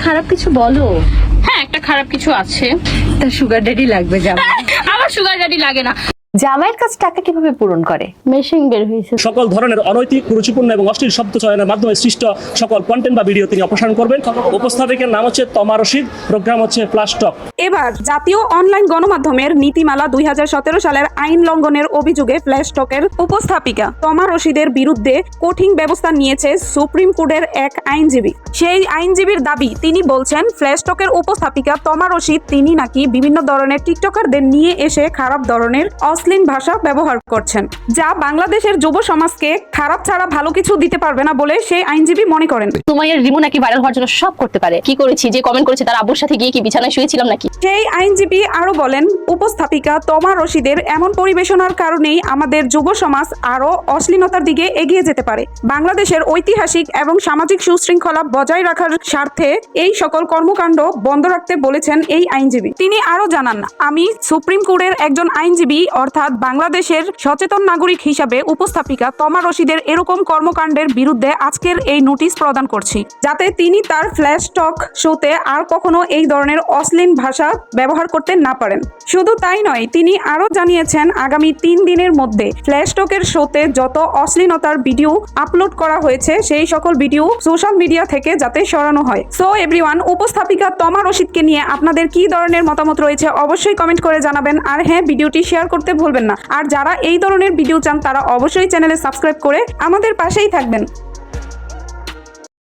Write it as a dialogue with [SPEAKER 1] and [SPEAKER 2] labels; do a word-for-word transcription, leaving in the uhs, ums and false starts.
[SPEAKER 1] খারাপ কিছু বলো।
[SPEAKER 2] হ্যাঁ, একটা খারাপ কিছু আছে।
[SPEAKER 1] তার সুগার ড্যাডি লাগবে জামাই।
[SPEAKER 2] আমার সুগার ড্যাডি লাগে না।
[SPEAKER 1] জামাইয়ের কাছে টাকা কিভাবে পূরণ করে?
[SPEAKER 2] মেশিন বের হয়েছে।
[SPEAKER 3] সকল ধরনের অনৈতিক, কুরুচিপূর্ণ এবং অশ্লীল শব্দ চয়নের মাধ্যমে সৃষ্ট সকল কন্টেন্ট বা ভিডিও তিনি অপসারণ করবেন। উপস্থাপিকের নাম হচ্ছে তমা রশিদ, প্রোগ্রাম হচ্ছে ফ্ল্যাশ টক।
[SPEAKER 4] এবার জাতীয় অনলাইন গণমাধ্যমের নীতিমালা দুই হাজার সতেরো সালের আইন লঙ্ঘনের অভিযোগে ফ্ল্যাশ টকের উপস্থাপিকা তমা রশিদের বিরুদ্ধে কঠিন ব্যবস্থা নিয়েছে সুপ্রিম কোর্টের এক আইনজীবী। সেই আইনজীবীর দাবি, তিনি বলছেন ফ্ল্যাশ টকের উপস্থাপিকা তমা রশিদ তিনি নাকি বিভিন্ন ধরনের টিকটকারদের নিয়ে এসে খারাপ ধরনের অশ্লীল ভাষা ব্যবহার করছেন, যা বাংলাদেশের যুব সমাজকে খারাপ ছাড়া ভালো কিছু দিতে পারবে না বলে সেই আইনজীবী মনে করেন।
[SPEAKER 2] সুমাইয়ার রিমু নাকি ভাইরাল হওয়ার জন্য সব করতে পারে। কি করেছি? যে কমেন্ট করেছে তার আব্বুর সাথে গিয়ে কি বিছানায় শুয়েছিলাম নাকি?
[SPEAKER 4] সেই আইনজীবী আরো বলেন, উপস্থাপিকা তমা রশিদের এমন পরিবেশনার কারণেই আমাদের যুব সমাজ আরো অশ্লীলতার দিকে এগিয়ে যেতে পারে। বাংলাদেশের ঐতিহাসিক এবং সামাজিক সুশৃঙ্খলা বজায় রাখার স্বার্থে এই সকল কর্মকাণ্ড বন্ধ রাখতে বলেছেন এই আইনজীবী। তিনি আরো জানান, আমি সুপ্রিম কোর্টের একজন আইনজীবী অর্থাৎ বাংলাদেশের সচেতন নাগরিক হিসাবে উপস্থাপিকা তমা রশিদের এরকম কর্মকাণ্ডের বিরুদ্ধে আজকের এই নোটিশ প্রদান করছি, যাতে তিনি তার ফ্ল্যাশ টক শোতে আর কখনো এই ধরনের অশ্লীল ভাষা ব্যবহার করতে না পারেন। শুধু তাই নয়, তিনি আরো জানিয়েছেন আগামী তিন দিনের মধ্যে ফ্ল্যাশ টকের শোতে যত অশ্লীলতার ভিডিও আপলোড করা হয়েছে সেই সকল ভিডিও সোশ্যাল মিডিয়া থেকে যাতে সরানো হয়। সো এভরিওয়ান, উপস্থাপিকা তমা রশিদকে নিয়ে আপনাদের কি ধরনের মতামত রয়েছে অবশ্যই কমেন্ট করে জানাবেন। আর হ্যাঁ, ভিডিওটি শেয়ার করতে ভুলবেন না। আর যারা এই ধরনের ভিডিও চান তারা অবশ্যই চ্যানেলে সাবস্ক্রাইব করে আমাদের পাশেই থাকবেন।